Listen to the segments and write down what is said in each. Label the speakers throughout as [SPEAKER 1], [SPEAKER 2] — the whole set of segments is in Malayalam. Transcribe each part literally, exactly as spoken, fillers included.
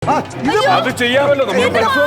[SPEAKER 1] അത് ചെയ്യാമല്ലോ നമ്മൾ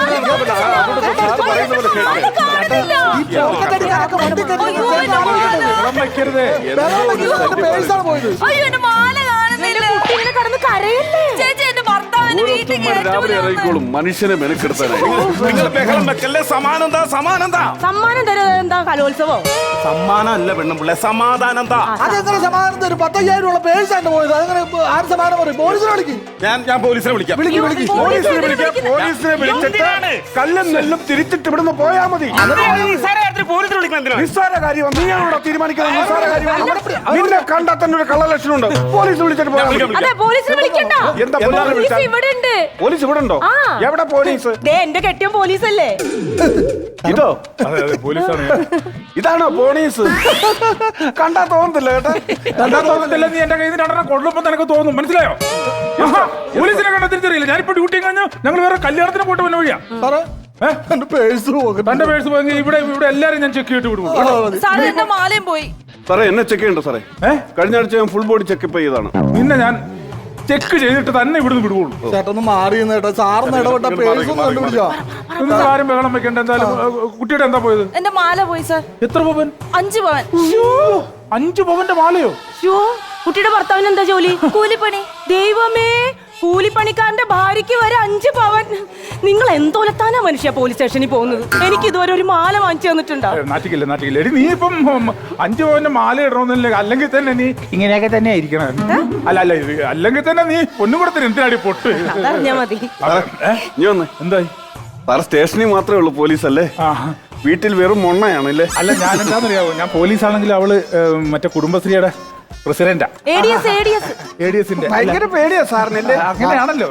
[SPEAKER 1] രാവിലെ ഇറങ്ങിക്കോളും മനുഷ്യനെ മെനക്കെടുത്താനായി.
[SPEAKER 2] സമാനന്താ സമാനന്താ
[SPEAKER 3] സമ്മാനം തരുന്നത് എന്താ? കലോത്സവോ?
[SPEAKER 2] സമ്മാനം അല്ല പെണ്ണുമ്പിള്ളെ, സമാധാനം.
[SPEAKER 4] അതെങ്ങനെ സമാധാനം തരും? പത്തയ്യായിരം ഉള്ള പേഴ്സാണ് പോയത്. അങ്ങനെ ആര് സമാധാനം പറയും? പോലീസിനെ വിളിക്കും.
[SPEAKER 2] ഞാൻ ഞാൻ പോലീസിനെ വിളിക്കാം.
[SPEAKER 1] പോലീസിനെ വിളിക്കാം. പോലീസിനെ വിളിച്ചിട്ട് കല്ലും നെല്ലും തിരിച്ചിട്ട് ഇവിടുന്ന് പോയാ മതി. നിസ്സാര കാര്യം നീയാണോ തീരുമാനിക്കുന്നത്? നിസ്സാര കാര്യം നിന്നെ കണ്ടാൽ തന്നെ ഒരു കള്ള ലക്ഷണമുണ്ട്. പോലീസ് വിളിച്ചിട്ട് പോയാ മതി.
[SPEAKER 3] പോലീസിനെ വിളിക്കണ്ട.
[SPEAKER 1] എന്താ
[SPEAKER 3] പോലീസ് ഇവിടെ ഉണ്ട്.
[SPEAKER 1] പോലീസ് ഇവിടെ ഉണ്ടോ? എവിടെ പോലീസ്?
[SPEAKER 3] എന്റെ കെട്ടിയ പോലീസല്ലേ
[SPEAKER 1] ഇതോ? പോലീസാണ്. ഇതാണോ പോലീസ്? കണ്ടാ തോന്നത്തില്ല കേട്ടോ.
[SPEAKER 5] കണ്ടാ തോന്നത്തില്ല. നീ എന്റെ കയ്യിൽ നിന്ന് രണ്ടെണ്ണം കൊള്ളുമ്പോ നിനക്ക് തോന്നും. മനസ്സിലായോ? പോലീസിനെ കണ്ടാ തിരിച്ചറിയില്ല. ഞാനിപ്പോ ഡ്യൂട്ടി കഴിഞ്ഞാൽ ഞങ്ങൾ വേറെ കല്യാണത്തിന് പോയിട്ട് വന്ന വഴിയാ.
[SPEAKER 4] എന്റെ പേഴ്സ് പോകും.
[SPEAKER 5] തന്റെ പേഴ്സ് പോയെങ്കിൽ ഇവിടെ ഇവിടെ എല്ലാരും ഞാൻ ചെക്ക് ചെയ്തിട്ട് വിടും.
[SPEAKER 3] സാറേ എന്റെ മാലയും പോയി.
[SPEAKER 1] സാറേ എന്നെ ചെക്ക് ചെയ്യണ്ടോ സാറേ? കഴിഞ്ഞ ആഴ്ച ഞാൻ ഫുൾ ബോഡി ചെക്കപ്പ് ചെയ്തതാണ്.
[SPEAKER 5] നിന്നെ ഞാൻ ചെക്ക് ചെയ്തിട്ട് തന്നെ ഇവിടുന്ന് വിടുവുള്ളൂ.
[SPEAKER 4] ചേട്ടൊന്ന് മാറി കേട്ടോ. സാറിന് ഇടപെട്ട പേഴ്സ് ഒന്ന് കണ്ടുപിടിച്ചോ.
[SPEAKER 5] നിങ്ങൾ ആരും ബഹളം വെക്കണ്ട. എന്തായാലും കുട്ടിയുടെ എന്താ പോയത്?
[SPEAKER 3] എന്റെ മാല പോയി സാർ.
[SPEAKER 5] എത്ര പവൻ?
[SPEAKER 3] അഞ്ചു പവൻ.
[SPEAKER 5] അഞ്ചു പവന്റെ മാലയോ?
[SPEAKER 3] കുട്ടിയുടെ ഭർത്താവിന് എന്താ ജോലി? കൂലിപ്പണി. ദൈവമേ, കൂലിപ്പണിക്കാരന്റെ ഭാര്യയ്ക്ക് വരെ അഞ്ചു പവൻ. നിങ്ങൾ എന്തോലത്താനാ മനുഷ്യ പോലീസ് സ്റ്റേഷനിൽ പോകുന്നത്? എനിക്ക് ഇതുവരെ ഒരു മാല വാങ്ങിച്ചു തന്നിട്ടുണ്ടോ?
[SPEAKER 5] നാട്ടിക്കില്ല നാട്ടിക്കില്ല. എടി നീ ഇപ്പം അഞ്ചു പവന്റെ മാല ഇടണമെന്നില്ല. അല്ലെങ്കിൽ തന്നെ നീ ഇങ്ങനെയൊക്കെ തന്നെ ആയിരിക്കണം. അല്ല അല്ല അല്ലെങ്കിൽ തന്നെ നീ പൊന്നുകൂടത്തിന് എന്തിനാടി പൊട്ട്?
[SPEAKER 3] അതറിഞ്ഞാ മതി.
[SPEAKER 1] നീ വന്നേ.
[SPEAKER 5] എന്തായി?
[SPEAKER 1] സാർ സ്റ്റേഷനിൽ മാത്രമേ ഉള്ളൂ പോലീസ് അല്ലേ? വീട്ടിൽ വെറും മൊണ്ണയാണല്ലേ?
[SPEAKER 5] അല്ല ഞാൻ എന്താണെന്നറിയാവോ, ഞാൻ പോലീസ് ആണെങ്കിൽ അവള് മറ്റേ കുടുംബശ്രീയുടെ പ്രസിഡന്റാ.
[SPEAKER 1] ഭയങ്കര പേടിയാ സാറിനല്ലേ?
[SPEAKER 5] അങ്ങനെയാണല്ലോ.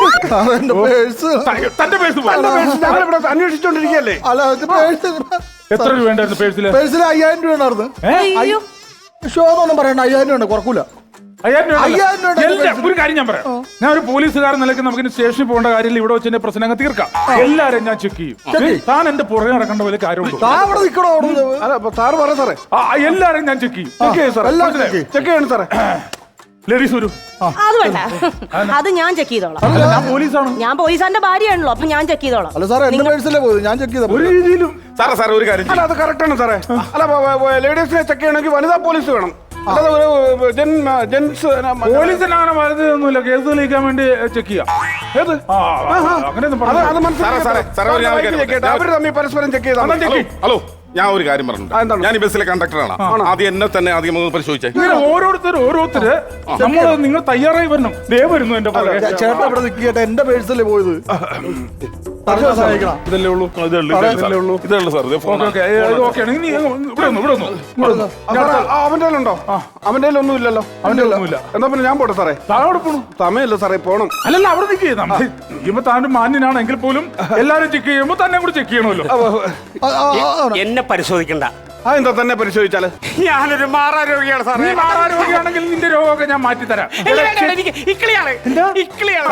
[SPEAKER 5] തന്റെ പേഴ്സ്
[SPEAKER 1] ഞങ്ങളിവിടെ അന്വേഷിച്ചോണ്ടിരിക്കല്ലേ?
[SPEAKER 5] എത്ര രൂപ ഉണ്ടായിരുന്നു പേഴ്സില്?
[SPEAKER 4] പേഴ്സിൽ അയ്യായിരം രൂപ ഉണ്ടായിരുന്നു. ഷോ എന്നൊന്നും പറയണ്ട. അയ്യായിരം രൂപ കുറക്കൂല.
[SPEAKER 5] ഒരു കാര്യം ഞാൻ പറയാം. ഞാൻ ഒരു പോലീസുകാരൻ നിലയ്ക്ക് നമുക്ക് സ്റ്റേഷനിൽ പോകേണ്ട കാര്യമില്ല. ഇവിടെ വെച്ച് എന്റെ പ്രശ്നങ്ങൾ തീർക്കാം. എല്ലാരും ഞാൻ ചെക്ക് ചെയ്യും. താൻ എന്റെ പുറകെ നടക്കേണ്ട പോലെ കാര്യമുണ്ടോ?
[SPEAKER 1] സാറ് പറ സാറേ.
[SPEAKER 5] എല്ലാരും ഞാൻ ചെക്ക് ചെയ്യും. ചെക്ക് ചെയ്യും ചെക്ക് ചെയ്യണം സാറേ. ലേഡീസ് വരൂ.
[SPEAKER 3] അത് വേണ്ട, അത് ഞാൻ ചെക്ക് ചെയ്തോളാം.
[SPEAKER 5] ഞാൻ പോലീസാണ്.
[SPEAKER 3] ഞാൻ പോലീസാന്റെ ഭാര്യയാണല്ലോ, അപ്പൊ ഞാൻ ചെക്ക് ചെയ്തോളാം.
[SPEAKER 4] അല്ല സാറേ, എന്റെ പേഴ്സല്ലേ പോയത്. ഞാൻ ചെക്ക് ചെയ്ത
[SPEAKER 5] ഒരു രീതിയിലും
[SPEAKER 2] സാറേ സാറേ ഒരു കാര്യം.
[SPEAKER 1] അല്ല അത് കറക്റ്റ് ആണ് സാറേ. അല്ല ലേഡീസിനെ ചെക്ക് ചെയ്യണമെങ്കിൽ വനിതാ പോലീസ് വേണം.
[SPEAKER 5] പോലീസിന് അങ്ങനെ വലുതൊന്നുമില്ല. കേസ് തെളിയിക്കാൻ വേണ്ടി ചെക്ക് ചെയ്യാം. ഏത്
[SPEAKER 1] അവര് തമ്മിൽ പരസ്പരം ചെക്ക് ചെയ്താൽ.
[SPEAKER 2] ഹലോ, ഞാൻ ഒരു കാര്യം പറഞ്ഞു. ഞാൻ ഈ ബസ്സിലെ കണ്ടക്ടറാണ്. ആദ്യം എന്നെ തന്നെ ആദ്യം പരിശോധിച്ചേ.
[SPEAKER 5] ഓരോരുത്തർ ഓരോരുത്തര് നമ്മൾ നിങ്ങൾ തയ്യാറായി വരണം. ദേ വരുന്നു എന്റെ
[SPEAKER 4] ചേട്ടൻ ഇവിടെ നിൽക്കട്ടെ. എന്റെ പേഴ്സല്ലേ പോയത്.
[SPEAKER 5] ഇതല്ലേ ഉള്ളൂ.
[SPEAKER 1] അവന്റെ ഉണ്ടോ? അവന്റെ ഒന്നും ഇല്ലല്ലോ.
[SPEAKER 5] അവന്റെ ഒന്നുമില്ല.
[SPEAKER 1] എന്നാ പിന്നെ ഞാൻ പോട്ടെ സാറേ.
[SPEAKER 5] താഴെ പോണു.
[SPEAKER 1] സമയല്ല സാറേ, പോണം.
[SPEAKER 5] അല്ലല്ല, അവിടെ നിൽക്കുക. ചെയ്യുമ്പോ താൻ മാന്യനാണെങ്കിൽ പോലും എല്ലാരും ചെക്ക് ചെയ്യുമ്പോ തന്നെ കൂടി ചെക്ക് ചെയ്യണമല്ലോ.
[SPEAKER 6] എന്നെ പരിശോധിക്കണ്ട.
[SPEAKER 1] അതെന്താ തന്നെ പരിശോധിച്ചാല്?
[SPEAKER 6] ഞാനൊരു മാറാരോഗിയാണ് സാർ.
[SPEAKER 5] നീ മാറാരോഗിയാണെങ്കിൽ നിന്റെ രോഗമൊക്കെ ഞാൻ മാറ്റി തരാം.
[SPEAKER 6] ഇക്കിളിയാണ് ഇക്കിളിയാണ്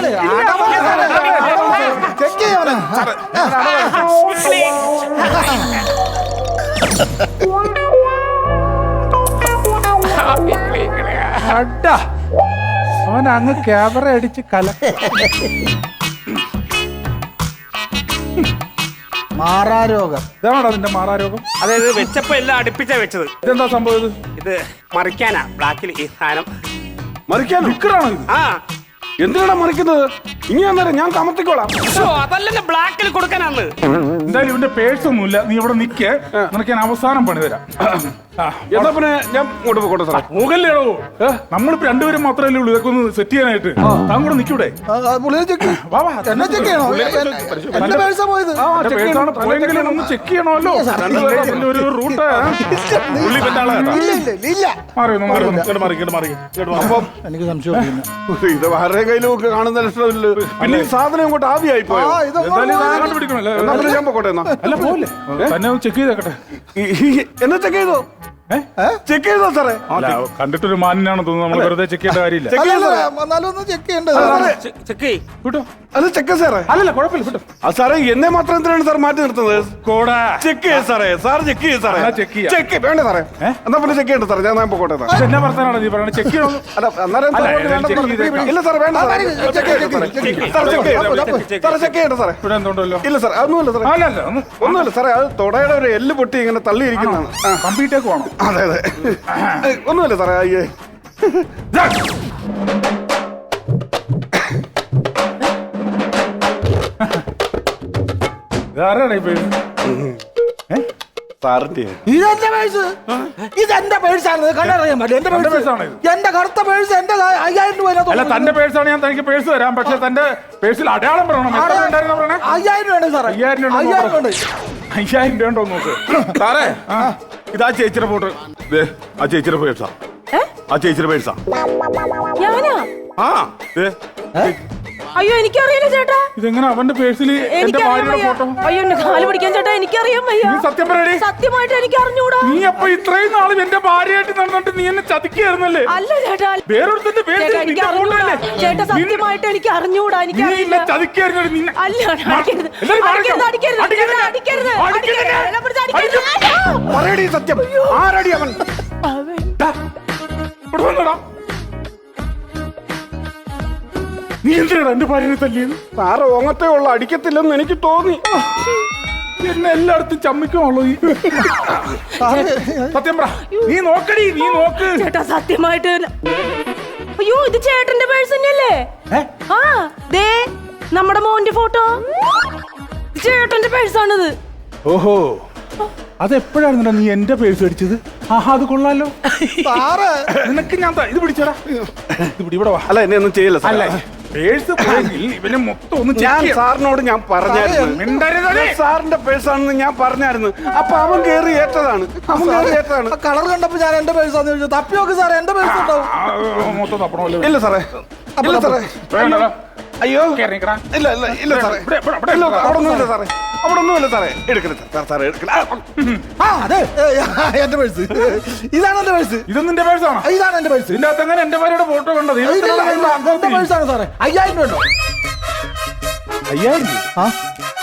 [SPEAKER 5] അവൻ അങ്ങ് ക്യാമറ അടിച്ച് കല.
[SPEAKER 4] മാറാരോഗം.
[SPEAKER 5] ഇതാണോ അതിന്റെ മാറാരോഗം?
[SPEAKER 6] അതായത് വെച്ചപ്പോ എല്ലാം അടുപ്പിച്ചാ വെച്ചത്.
[SPEAKER 5] ഇതെന്താ സംഭവം?
[SPEAKER 6] ഇത് മറിക്കാനാ. ബ്ലാക്കിൽ ഈ സാധനം
[SPEAKER 1] മറിക്കാൻ നിക്കറാണോ?
[SPEAKER 6] ആ,
[SPEAKER 1] എന്തിനാണ് മറിക്കുന്നത്? ഇനി അന്നേരം ഞാൻ കമത്തിക്കോളാം.
[SPEAKER 6] അതല്ലേ ബ്ലാക്കിൽ കൊടുക്കാനാണ്.
[SPEAKER 5] എന്തായാലും ഇവന്റെ പേഴ്സ് ഒന്നുമില്ല. നീ ഇവിടെ നിക്ക്. നിനക്ക് ഞാൻ അവസാനം പണി തരാം.
[SPEAKER 1] എന്നാ പിന്നെ ഞാൻ ഇങ്ങോട്ട് പോട്ടെ സാറേ.
[SPEAKER 5] മുകളിലേടോ, നമ്മളിപ്പോ രണ്ടുപേരും മാത്രമല്ലേ ഉള്ളൂ ഇതൊക്കെ ഒന്ന് സെറ്റ് ചെയ്യാനായിട്ട്. താൻ കൂടെ നിൽക്കൂടെ?
[SPEAKER 4] എന്നെ ചെക്ക് ചെയ്യണോ? എന്റെ പേഴ്സാ പോയത്.
[SPEAKER 5] പോയെങ്കിലും ഒന്ന് ചെക്ക് ചെയ്യണമല്ലോ. ഒരു റൂട്ട്
[SPEAKER 4] അപ്പം എനിക്ക് സംശയം.
[SPEAKER 1] ഇത് ആരുടെ കയ്യിലും ഒക്കെ കാണുന്ന ലക്ഷണമില്ല. പിന്നെ ഈ സാധനം ഇങ്ങോട്ട് ആവിയായി പോയോ?
[SPEAKER 5] കണ്ടുപിടിക്കണല്ലോ.
[SPEAKER 1] എന്നാ പിന്നെ ഞാൻ പോട്ടെ. എന്നാ
[SPEAKER 5] അല്ല പോലെ തന്നെ ചെക്ക് ചെയ്തേക്കട്ടെ.
[SPEAKER 1] എന്നാ ചെക്ക് ചെയ്തോ? ചെക്ക് ചെയ്തോ സാറേ?
[SPEAKER 5] അല്ല കണ്ടിട്ടൊരു മാനിനാണെന്ന് തോന്നുന്നു. നമ്മൾ വെറുതെ ചെക്ക് ചെയ്യേണ്ട കാര്യമില്ല.
[SPEAKER 1] ചെക്ക് ചെയ്തോ സാറേ?
[SPEAKER 4] എന്നാലും ഒന്ന് ചെക്ക് ചെയ്യണ്ടേ
[SPEAKER 6] ചെക്ക്
[SPEAKER 5] വിട്ടോ.
[SPEAKER 1] അത് ചെക്ക് സാറേ.
[SPEAKER 5] അല്ലല്ല കുഴപ്പമില്ല വിട്ടോ.
[SPEAKER 1] ആ സാറേ എന്നെ മാത്രം എന്തിനാണ് സാർ മാറ്റി നിർത്തുന്നത്?
[SPEAKER 5] കോടാ
[SPEAKER 1] ചെക്ക് ചെയ്യ സാറേ. സാർ ചെക്ക് ചെയ്യ സാറേ.
[SPEAKER 5] എന്നാ check ചെയ്യാം.
[SPEAKER 1] ചെക്ക് വേണ്ട സാറേ. എന്നാ പിന്നെ ചെക്ക് ചെയ്യണ്ട സാറേ. ഞാൻ ഞാൻ പോട്ടെ സാർ.
[SPEAKER 5] എന്നാ വർത്താനാണ് നീ പറയണത്? ചെക്ക് ചെയ്യണം.
[SPEAKER 1] അല്ല അന്നേരം
[SPEAKER 5] അല്ല,
[SPEAKER 1] സാർ
[SPEAKER 5] ഞാൻ
[SPEAKER 1] വേണ്ട
[SPEAKER 5] check
[SPEAKER 1] സാറേ.
[SPEAKER 5] ചെയ്തേക്കാം.
[SPEAKER 1] ഇല്ല സാറേ വേണ്ട സാറേ. ചെക്ക് ചെയ്യണ്ട സാറേ. സാർ ചെക്ക് ചെയ്യണ്ട സാറേ. ചെക്ക് ചെയ്യണ്ട സാറേ.
[SPEAKER 5] ഇവിടെ എന്തുണ്ടല്ലോ?
[SPEAKER 1] ഇല്ല സാർ അതൊന്നുമില്ല സാറേ.
[SPEAKER 5] അല്ല അല്ല ഒന്ന്
[SPEAKER 1] ഒന്നുമില്ല സാറേ. അത് തുടയുടെ ഒരു എല്ല് പൊട്ടി ഇങ്ങനെ തള്ളിയിരിക്കുന്നതാണ്. ആ,
[SPEAKER 5] കമ്പ്യൂട്ടേക്ക് വേണം.
[SPEAKER 1] അതെ അതെ. ഒന്നുമില്ല സാറേ. അയ്യേ
[SPEAKER 5] ഇതാരാണ് ഇപ്പൊ?
[SPEAKER 1] സാറിന്റെ
[SPEAKER 4] ഇതെന്റെ പേഴ്സ് ഇതെന്റെ പേഴ്സാണ്. കണ്ടറിയാൻ പറ്റില്ല. എന്റെ
[SPEAKER 5] തന്റെ
[SPEAKER 4] പേഴ്സ്
[SPEAKER 5] പേഴ്സാണ് ഇത്.
[SPEAKER 4] എന്റെ കറുത്ത പേഴ്സ് എന്റെ അയ്യായിരം രൂപ
[SPEAKER 5] അല്ല തന്റെ പേഴ്സാണ് ഞാൻ തനിക്ക് പേഴ്സ് തരാം. പക്ഷെ തന്റെ പേഴ്സിൽ അടയാളം പറയണം. എത്ര ഉണ്ടായിരുന്നു പറയണേ?
[SPEAKER 4] അയ്യായിരം രൂപ സാറേ.
[SPEAKER 5] അയ്യായിരം രൂപ
[SPEAKER 4] അയ്യായിരം ഉണ്ട്.
[SPEAKER 5] അയ്യായിരം രൂപ ഉണ്ടോ നോക്ക്.
[SPEAKER 2] സാറേ ഇതാ ചേച്ചിയുടെ ഫോട്ടോ. ദേ, ആ ചേച്ചിയുടെ പേഴ്സാ.
[SPEAKER 3] ഏ?
[SPEAKER 2] ആ ചേച്ചിയുടെ പേഴ്സാ.
[SPEAKER 3] ഞാനാ?
[SPEAKER 2] ആ ദേ.
[SPEAKER 3] അയ്യോ എനിക്കറിയില്ല ചേട്ടാ.
[SPEAKER 5] ഇതെങ്ങനെ അവന്റെ പേഴ്സിൽ എന്റെ
[SPEAKER 3] എനിക്കറിയാൻ
[SPEAKER 5] ഭാര്യയുടെ
[SPEAKER 3] വയ്യ.
[SPEAKER 5] ഫോട്ടോ?
[SPEAKER 3] അയ്യോ എന്നെ കാല് പിടിക്കാൻ ചേട്ടാ എനിക്കറിയാൻ വയ്യ.
[SPEAKER 5] നീ സത്യം പറയടി.
[SPEAKER 3] സത്യമായിട്ട് എനിക്ക് അറിഞ്ഞൂടാ.
[SPEAKER 5] നീ അപ്പൊ ഇത്രയും നാളും എന്റെ ഭാര്യയായിട്ട് നടന്നിട്ട് നീ എന്നെ ചതിക്കായിരുന്നല്ലേ?
[SPEAKER 3] അല്ല ചേട്ടാ.
[SPEAKER 5] വേറൊരുത്തിന്റെ പേഴ്സിൽ
[SPEAKER 3] ചേട്ടാ എനിക്ക്
[SPEAKER 5] നിന്റെ ഫോട്ടോ
[SPEAKER 3] അറിഞ്ഞൂടാ.
[SPEAKER 5] അല്ലേ?
[SPEAKER 3] ചേട്ടാ സത്യമായിട്ട് എനിക്ക് അറിഞ്ഞൂടാ. എനിക്ക്
[SPEAKER 5] നീ
[SPEAKER 3] അറിയില്ല.
[SPEAKER 5] എന്നെ ചതിക്കായിരുന്നു. നിന്നെ
[SPEAKER 3] അല്ല അടിക്കരുത്.
[SPEAKER 5] എല്ലാവരും
[SPEAKER 3] അടിക്കരുത്
[SPEAKER 5] മാറിക്കോ.
[SPEAKER 3] അടിക്കരുത്
[SPEAKER 5] അടിക്കരുത്.
[SPEAKER 3] ചേട്ടാ, അടിക്കരുത്
[SPEAKER 5] അടിക്കരുത്.
[SPEAKER 3] അടിക്കരുത്. എന്നെ പിടിച്ച് അടിക്കരുത്. അയ്യോ.
[SPEAKER 1] പറയടി സത്യം. ആരടി അവൻ?
[SPEAKER 3] അവൻ.
[SPEAKER 5] ദാ, ഇവിടെ വന്നെടാ. നീ എന്തിനാ എന്റെ ഭാര്യനെ തല്ലിയത്?
[SPEAKER 1] സാറ് ഓങ്ങത്തേ ഉള്ള അടിക്കത്തില്ലെന്ന് എനിക്ക് തോന്നി.
[SPEAKER 5] എന്നെ എല്ലായിടത്തും ചമ്മിക്കുള്ളൂ ഈ സത്യം പറ. നീ നോക്കടി. നീ നോക്ക്.
[SPEAKER 3] ചേട്ടാ സത്യമായിട്ട് അയ്യോ ഇത് ചേട്ടന്റെ പേഴ്സ് തന്നെയല്ലേ? ആ ദേ നമ്മുടെ മോന്റെ ഫോട്ടോ. ചേട്ടന്റെ പേഴ്സാണിത്.
[SPEAKER 5] ഓഹോ അതെപ്പോഴായിരുന്നോ നീ എന്റെ പേഴ്സ് അടിച്ചത്? ആഹാ അത് കൊള്ളാലോ.
[SPEAKER 4] സാറ്
[SPEAKER 5] നിനക്ക് ഞാൻ ത- ഇത് പിടിച്ചടാ. ഇത് പിടി ഇവിടെ വാ.
[SPEAKER 1] അല്ല എന്നെ ഒന്നും ചെയ്യില്ല സാർ.
[SPEAKER 5] അല്ല പേഴ്സ് പോയെങ്കിൽ ഇവനെ മൊത്തം ഒന്ന്
[SPEAKER 1] ഞാൻ
[SPEAKER 5] check ചെയ്യാം.
[SPEAKER 1] സാറിനോട് ഞാൻ പറഞ്ഞായിരുന്നു.
[SPEAKER 5] മിണ്ടരുതടി.
[SPEAKER 1] ഇത് സാറിന്റെ പേഴ്സാണെന്ന് ഞാൻ പറഞ്ഞായിരുന്നു. അപ്പൊ അവൻ കേറി ഏറ്റതാണ്. അവൻ കേറി ഏറ്റതാണ്.
[SPEAKER 4] കളർ കണ്ടപ്പോ ഞാൻ എന്റെ പേഴ്സാന്ന് ചോദിച്ചു. തപ്പി നോക്ക് സാറേ എന്റെ പേഴ്സ് ഉണ്ടാവും.
[SPEAKER 5] ആ, മൊത്തം തപ്പണമല്ലോ.
[SPEAKER 1] ഇല്ല സാറേ. ഇല്ല സാറേ.
[SPEAKER 5] വേണ്ടടാ.
[SPEAKER 1] അയ്യോ
[SPEAKER 5] കേറി നിക്കടാ.
[SPEAKER 1] ഇല്ല ഇല്ല ഇല്ല സാറേ.
[SPEAKER 5] ഇവിടെ, ഇവിടെ, ഇവിടെ.
[SPEAKER 1] ഇല്ല, അവിടെ ഒന്നുമില്ല സാറേ. അവിടെ ഒന്നുമില്ല സാറേ. എടുക്കരുത് സാർ. സാറേ എടുക്കല.
[SPEAKER 4] ആ അതെ എന്റെ പേഴ്സ് ഇതാണ് എന്റെ പേഴ്സ്.
[SPEAKER 5] ഇത് നിന്റെ പേഴ്സാണോ?
[SPEAKER 4] ഇതാണ് എന്റെ പേഴ്സ്.
[SPEAKER 5] ഇതിന്റെ അകത്ത് എങ്ങനെ എന്റെ ഭാര്യയുടെ ഫോട്ടോ കണ്ടത്?
[SPEAKER 4] ഇല്ല, ഇല്ല, ഇല്ല, എന്റെ പേഴ്സാണ് സാറേ. അയ്യായിരം രൂപ ഉണ്ടോ?
[SPEAKER 5] അയ്യായിരം രൂപ?
[SPEAKER 4] ആ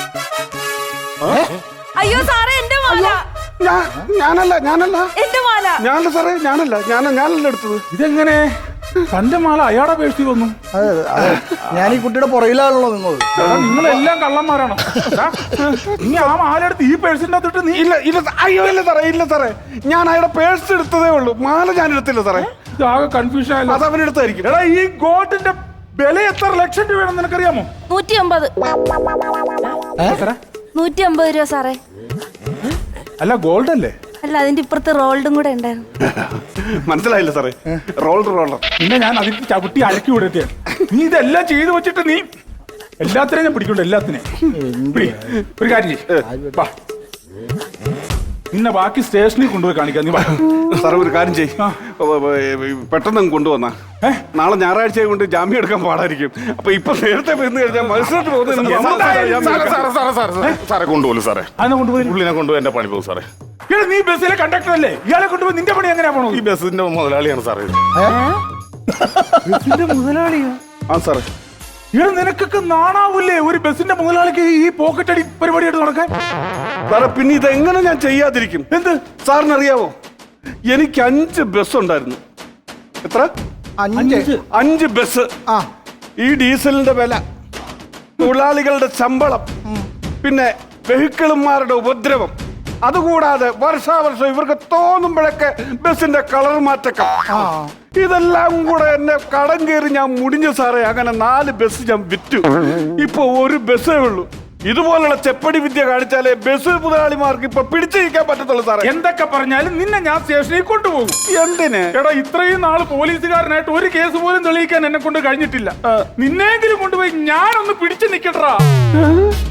[SPEAKER 3] അയ്യോ സാറേ എന്റെ മാല.
[SPEAKER 1] ഞാൻ ഞാനല്ല ഞാനല്ല
[SPEAKER 3] എന്റെ മാല.
[SPEAKER 1] ഞാനല്ല സാറേ. ഞാനല്ല ഞാൻ ഞാനല്ല എടുത്തത്.
[SPEAKER 5] ഇതെങ്ങനെ തന്റെ മാല അയാളുടെ പേഴ്സിൽ വന്നു?
[SPEAKER 4] അതെ അതെ ഞാൻ ഈ കുട്ടിയുടെ പുറകിലാണല്ലോ നിന്നത്.
[SPEAKER 5] എടാ, നിങ്ങളെല്ലാം കള്ളന്മാരാണോ? എടാ, നീ ആ മാല എടുത്ത് ഈ പേഴ്സിന്റെ അകത്തിട്ട് നീ
[SPEAKER 1] ഇല്ല ഇല്ല സാ- അയ്യോ ഇല്ല സാറേ. ഇല്ല സാറേ. ഞാൻ അയാളുടെ പേഴ്സ് എടുത്തതേ ഉള്ളൂ. മാല ഞാൻ എടുത്തില്ല സാറേ.
[SPEAKER 5] ആകെ കൺഫ്യൂഷൻ ആയല്ലോ.
[SPEAKER 1] അത് അവൻ എടുത്തായിരിക്കും.
[SPEAKER 5] എടാ ഈ ഗോൾഡിന്റെ വില എത്ര ലക്ഷം രൂപയാണെന്ന് നിനക്കറിയാമോ?
[SPEAKER 3] നൂറ്റി അമ്പത്.
[SPEAKER 5] എത്ര?
[SPEAKER 3] നൂറ്റി അമ്പത് രൂപ സാറേ.
[SPEAKER 5] അല്ല ഗോൾഡ് അല്ലേ?
[SPEAKER 3] അല്ല അതിന്റെ ഇപ്പുറത്ത് റോൾഡും കൂടെ ഉണ്ടായിരുന്നു.
[SPEAKER 1] മനസ്സിലായില്ല സാറേ. Roller roller.
[SPEAKER 5] പിന്നെ ഞാൻ അതിൽ ചവിട്ടി അലക്കി വിടത്തിയാണ്. നീ ഇതെല്ലാം ചെയ്തു വെച്ചിട്ട് നീ എല്ലാത്തിനെയും ഞാൻ പിടിക്കണ്ട. എല്ലാത്തിനെയും പിടി. ഒരു കാര്യം ചെയ്യ്. വാ. നിന്നെ ബാക്കി സ്റ്റേഷനിൽ കൊണ്ടുപോയി കാണിക്കാം. നീ വാ.
[SPEAKER 1] സാറേ ഒരു കാര്യം ചെയ്യ്. പെട്ടെന്ന് അങ്ങ് കൊണ്ടുവന്നാ. നാളെ ഞായറാഴ്ച കൊണ്ട് ജാമ്യം എടുക്കാൻ പാടായിരിക്കും. അപ്പൊ ഇപ്പൊ നേരത്തെ വന്നു കഴിഞ്ഞാൽ മത്സരത്തിൽ
[SPEAKER 2] സാറേ, സാറേ, സാറേ, സാറേ, സാറേ കൊണ്ടുപോലും സാറേ.
[SPEAKER 5] അതിനെ കൊണ്ടുപോയി.
[SPEAKER 2] പുള്ളിനെ കൊണ്ടുപോയി എന്റെ പണി പോകും സാറേ.
[SPEAKER 5] എടാ, നീ ബസ്സിലെ കണ്ടക്ടർ അല്ലേ? ഇയാളെ കൊണ്ടുപോയി നിന്റെ പണി എങ്ങനെയാ പോണോ?
[SPEAKER 2] ഈ ബസ്സിന്റെ മുതലാളിയാണ് സാറേ ഇത്.
[SPEAKER 5] ബസ്സിന്റെ മുതലാളിയാ?
[SPEAKER 1] ആ സാറേ.
[SPEAKER 5] ഇവിടെ നിനക്കൊക്കെ നാണാവൂലേ ഒരു ബസ്സിന്റെ മുതലാളിക്ക് ഈ പോക്കറ്റ് അടി പരിപാടിയായിട്ട് നടക്കാൻ?
[SPEAKER 1] സാറേ പിന്നെ ഇതെങ്ങനെ ഞാൻ ചെയ്യാതിരിക്കും? എന്ത് സാറിന് അറിയാവോ? എനിക്ക് അഞ്ച് ബസ് ഉണ്ടായിരുന്നു. എത്ര?
[SPEAKER 4] അഞ്ച്
[SPEAKER 1] അഞ്ച് ബസ്.
[SPEAKER 4] ആ
[SPEAKER 1] ഈ ഡീസലിന്റെ വില, തൊഴിലാളികളുടെ ശമ്പളം, പിന്നെ വെഹിക്കിളുമാരുടെ ഉപദ്രവം, അതുകൂടാതെ വർഷാവർഷം ഇവർക്ക് തോന്നുമ്പോഴൊക്കെ ബസിന്റെ കളർ മാറ്റക്കം, ഇതെല്ലാം കൂടെ എന്നെ കടം കയറി ഞാൻ മുടിഞ്ഞു സാറേ. അങ്ങനെ നാല് ബസ് ഞാൻ വിറ്റു. ഇപ്പൊ ഒരു ബസ്സേ ഉള്ളൂ. ഇതുപോലുള്ള ചെപ്പടി വിദ്യ കാണിച്ചാലേ ബസ് മുതലാളിമാർക്ക് ഇപ്പൊ പിടിച്ചിരിക്കാൻ പറ്റത്തുള്ളൂ സാറേ.
[SPEAKER 5] എന്തൊക്കെ പറഞ്ഞാലും നിന്നെ ഞാൻ സ്റ്റേഷനിൽ കൊണ്ടുപോകും.
[SPEAKER 1] എന്തിന്?
[SPEAKER 5] എടാ ഇത്രയും നാള് പോലീസുകാരനായിട്ട് ഒരു കേസ് പോലും തെളിയിക്കാൻ എന്നെ കൊണ്ട് കഴിഞ്ഞിട്ടില്ല. നിന്നെങ്കിലും കൊണ്ടുപോയി ഞാനൊന്ന് പിടിച്ചു നിക്കട്ടാ.